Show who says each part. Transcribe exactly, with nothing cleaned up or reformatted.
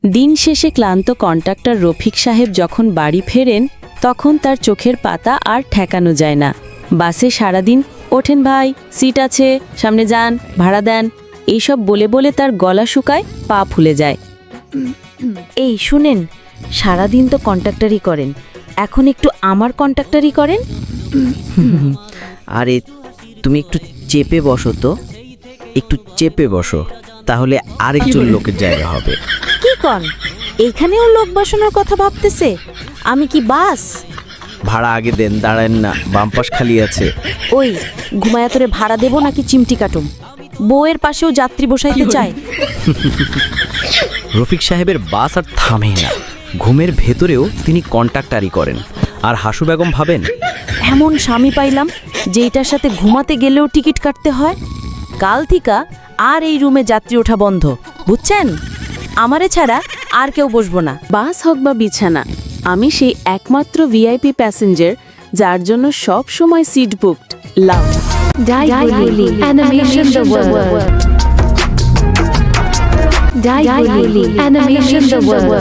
Speaker 1: দিন শেষে ক্লান্ত কন্ট্রাক্টর রফিক সাহেব যখন বাড়ি ফেরেন তখন তার চোখের পাতা আর ঠেকানো যায় না। বাসে সারাদিন ওঠেন ভাই, সিট আছে, সামনে যান, ভাড়া দেন, এইসব বলে বলে তার গলা শুকায়, পা ফুলে যায়।
Speaker 2: এই শুনেন, সারাদিন তো কন্ট্রাক্টরই করেন, এখন একটু আমার কন্ট্রাক্টরই করেন।
Speaker 3: আরে তুমি একটু চেপে বসো তো, একটু চেপে বসো, তাহলে আরেকজন লোকের জায়গা হবে।
Speaker 2: কি কন, এইখানেও লোক বসানোর কথা ভাবতেছে? আমি কি বাস?
Speaker 3: ভাড়া আগে দেন, দাঁড়ান না, বাম পাশ খালি আছে।
Speaker 2: ওই ঘুমায়া তোরে ভাড়া দেবো নাকি চিমটি কাটুম? বউয়ের পাশেও যাত্রী বসাইতে চায়।
Speaker 3: রফিক সাহেবের বাস আর থামে না, ঘুমের ভেতরেও তিনি কন্ট্রাক্টারি করেন। আর হাসু বেগম ভাবেন,
Speaker 2: এমন স্বামী পাইলাম যেইটার সাথে ঘুমাতে গেলেও টিকিট কাটতে হয়। কাল থিকা আর এই রুমে যাত্রী ওঠা বন্ধ, বুঝছেন? আমারে ছাড়া আর কেউ বসবো না।
Speaker 1: বাস হোক বা বিছানা, আমি সেই একমাত্র ভিআইপি প্যাসেঞ্জার যার জন্য সব সময় সিট বুকড। লাভ
Speaker 4: Daiguli Animation the World. Daiguli Animation the World.